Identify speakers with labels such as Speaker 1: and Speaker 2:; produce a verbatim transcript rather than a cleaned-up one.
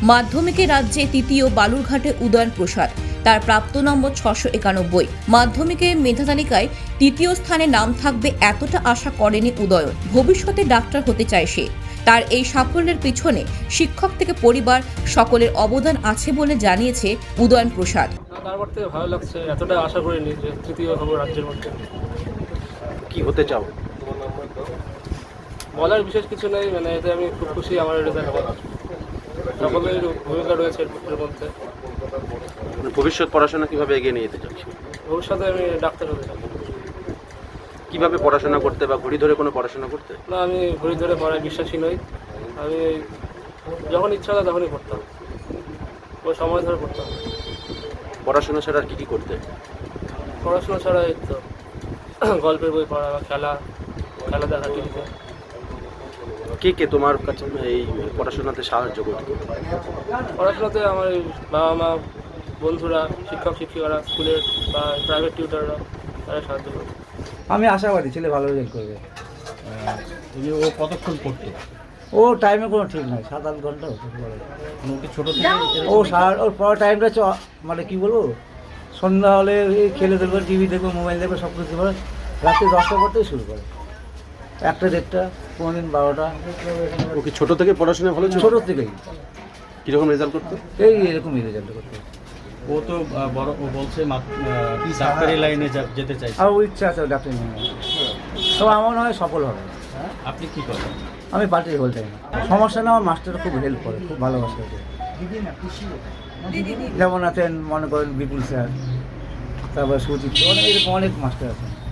Speaker 1: মাধ্যমিকে রাজ্যে তৃতীয়, বালুরঘাটে উদয়ন প্রসাদ। তার প্রাপ্ত নম্বর ছশো একানব্বই। মাধ্যমিকে মেধা তালিকায় তৃতীয় স্থানে নাম থাকবে এতটা আশা করেনি উদয়ন। ভবিষ্যতে ডাক্তার হতে চায় সে। তার এই সাফল্যের পিছনে শিক্ষক থেকে পরিবার সকলের অবদান আছে বলে জানিয়েছে উদয়ন প্রসাদ।
Speaker 2: তারপর থেকে ভালো লাগছে, এতটা আশা করিনি যে তৃতীয় হবো রাজ্যের মধ্যে।
Speaker 3: কি হতে চাও?
Speaker 2: বলার বিশেষ কিছু নেই, মানে এতে আমি খুব খুশি। আমার রেজাল্টে সকলের ভূমিকা রয়েছে এর মধ্যে।
Speaker 3: মানে ভবিষ্যৎ পড়াশোনা কিভাবে এগিয়ে নিয়ে যেতে চাচ্ছি?
Speaker 2: ভবিষ্যতে আমি ডাক্তার হতে চাই।
Speaker 3: কিভাবে পড়াশোনা করতে বা ঘড়ি ধরে কোনো পড়াশোনা করতে?
Speaker 2: না, আমি ঘড়ি ধরে পড়ায় বিশ্বাসী নই। আমি যখন ইচ্ছা হয় তখনই পড়তাম, ওই সময় ধরে পড়তাম।
Speaker 3: পড়াশোনা ছাড়া আর কি কি করতে?
Speaker 2: পড়াশোনা ছাড়া এই তো গল্পের বই পড়া বা খেলা খেলা দেখা টিভিতে।
Speaker 3: কে কে তোমার কাছে এই পড়াশোনাতে সাহায্য করতে?
Speaker 2: পড়াশোনাতে আমার বাবা মা, বন্ধুরা, শিক্ষক শিক্ষিকারা, স্কুলের বা প্রাইভেট টিউটাররা, তারা সাহায্য করে।
Speaker 4: আমি আশাবাদী ছেলে ভালো রেজাল্ট করবে।
Speaker 5: যে ও কতক্ষণ পড়তো?
Speaker 4: ও টাইমে কোনো ঠিক নাই, সাত আট ঘন্টা হতে পারে।
Speaker 5: ওকে ছোটো থেকে
Speaker 4: ও সারা ওর পড়ার টাইমটা হচ্ছে মানে কী বলবো, সন্ধ্যা হলে এই খেলে দেখবে, টিভি দেখবে, মোবাইল দেখবে, সব কিছু করে রাত্রি দশটা পড়তেই শুরু করে, একটা দেড়টা, কোনো দিন বারোটা।
Speaker 3: ওকে ছোট থেকে পড়াশোনা ভালো ছিল?
Speaker 4: ছোটো থেকেই
Speaker 3: কীরকম রেজাল্ট করতো?
Speaker 4: এই এরকমই রেজাল্ট করতে।
Speaker 5: ও তো আহ, বড় ও বলছে মাত- আহ, ডাক্তারি লাইনে যা- যেতে চাইছে।
Speaker 4: আর ও ইচ্ছা আছে ডাক্তার নিয়ে, তবে আমার মনে হয় সফল হবে।
Speaker 5: আপনি কি করেন?
Speaker 4: আমি পার্টির হোল টাইম। সমস্যা না, আমার মাস্টার খুব হেল্প করে, খুব ভালোবাসে ওকে। যেমন আছেন মনে করেন বিপুল স্যার, তারপর সুচিত্র, অনেক এরকম অনেক মাস্টার আছেন।